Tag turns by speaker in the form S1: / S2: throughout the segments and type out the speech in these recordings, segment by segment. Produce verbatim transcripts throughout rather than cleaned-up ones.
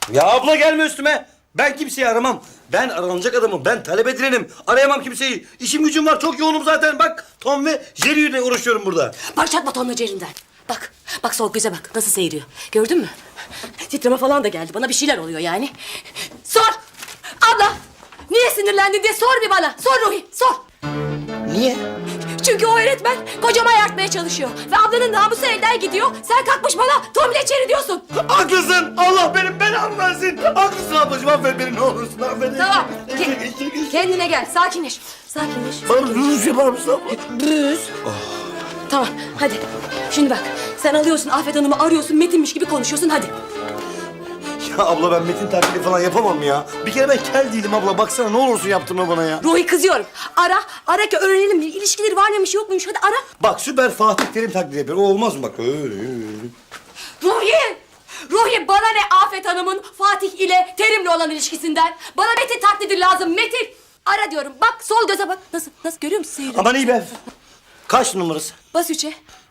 S1: Ya abla gelme üstüme. Ben kimseyi aramam. Ben aranacak adamım. Ben talep edilenim. Arayamam kimseyi. İşim gücüm var. Çok yoğunum zaten. Bak Tom ve Jerry ile uğraşıyorum burada.
S2: Başlatma Tom'la Jerry'nden. Bak, bak soğuk göze bak. Nasıl seyiriyor. Gördün mü? Titreme falan da geldi. Bana bir şeyler oluyor yani. Sor! Abla! Niye sinirlendin diye sor bir bana. Sor Ruhi, sor.
S1: Niye?
S2: Çünkü o öğretmen kocama ayartmaya çalışıyor. Ve ablanın namusu elden gidiyor. Sen kalkmış bana Tom ile Jerry diyorsun.
S1: Haklısın. Allah benim belamı versin. Haklısın ablacığım. Affet beni ne olursun. Affet.
S2: Tamam. Ke- kendine gel. Sakinleş. Sakinleş.
S1: Bana rüz yapar mısın abla?
S2: Rüz. Tamam, hadi. Şimdi bak, sen alıyorsun Afet Hanım'ı arıyorsun, Metin'miş gibi konuşuyorsun, hadi.
S1: Ya abla ben Metin taklidi falan yapamam ya. Bir kere ben kel değilim abla. Baksana ne olursun yaptırma bana ya.
S2: Ruhi kızıyorum. Ara, ara ki öğrenelim. İlişkileri var mıymış yok muymuş, hadi ara.
S1: Bak süper Fatih Terim taklidi yapıyor. O olmaz mı bak? Öyle öyle.
S2: Ruhi! Ruhi bana ne Afet Hanım'ın Fatih ile Terim'le olan ilişkisinden? Bana Metin taklidi lazım, Metin. Ara diyorum, bak sol göze bak. Nasıl, nasıl görüyor musun seyri?
S1: Aman iyi be. Kaç numarası?
S2: Bas üçe.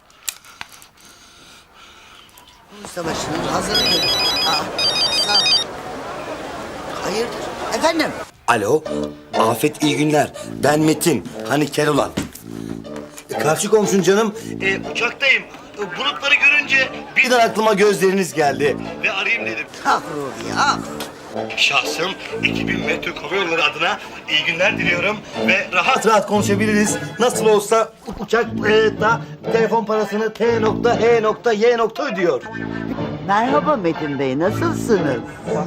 S3: Savaşının hazırlığı. Aa, sağ ol. Hayırdır? Efendim?
S1: Alo. Afet iyi günler. Ben Metin. Hani kel olan. E, karşı komşun canım. E, uçaktayım. E, bulutları görünce birden aklıma gözleriniz geldi. Ve arayayım dedim.
S3: Ah Ruhi, ah.
S1: Şahsım iki bin metre hava yolları adına iyi günler diliyorum. Ve rahat rahat konuşabiliriz. Nasıl olsa uçak e, da telefon parasını T nokta H nokta Y nokta ödüyor.
S3: Merhaba Metin Bey, nasılsınız?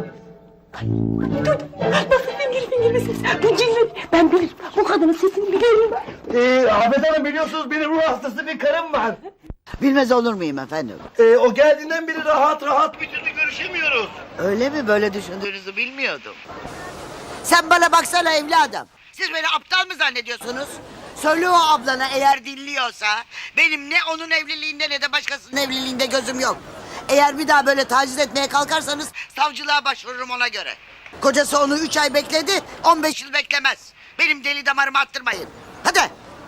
S2: Ben bilirim, o kadının sesini biliyorum.
S1: E, Afet Hanım biliyorsunuz benim ruh hastası bir karım var.
S3: Bilmez olur muyum efendim?
S1: E, o geldiğinden beri rahat rahat bir türlü görüşemiyoruz.
S3: Öyle mi? Böyle düşündüğünüzü bilmiyordum. Sen bana baksana evladım. Siz beni aptal mı zannediyorsunuz? Söyle o ablana eğer dinliyorsa... ...benim ne onun evliliğinde ne de başkasının evliliğinde gözüm yok. Eğer bir daha böyle taciz etmeye kalkarsanız... ...savcılığa başvururum ona göre. Kocası onu üç ay bekledi, on beş yıl beklemez. Benim deli damarımı attırmayın. Hadi.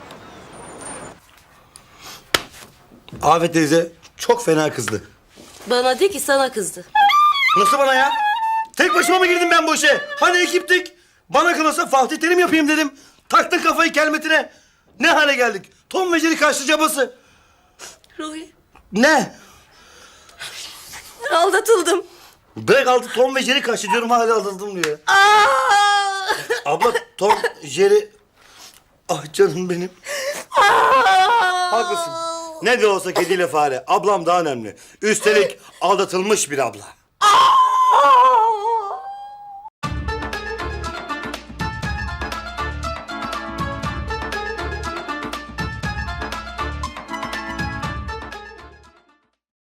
S1: Afet teyze çok fena kızdı.
S2: Bana de ki sana kızdı.
S1: Nasıl bana ya? Tek başıma mı girdim ben bu işe? Hani ekiptik? Bana kalırsa Fatih Terim yapayım dedim. Taktın kafayı kelmetine. Ne hale geldik? Tom ve Jerry kaçtı cabası.
S2: Ruhi,
S1: Ne?
S2: aldatıldım.
S1: Bırak altı Tom ve Jerry kaçtı diyorum hala aldatıldım diyor.
S2: Aa!
S1: Abla Tom, Jerry... Ah canım benim. Haklısın. Ne de olsa kediyle fare. Ablam daha önemli. Üstelik aldatılmış bir abla.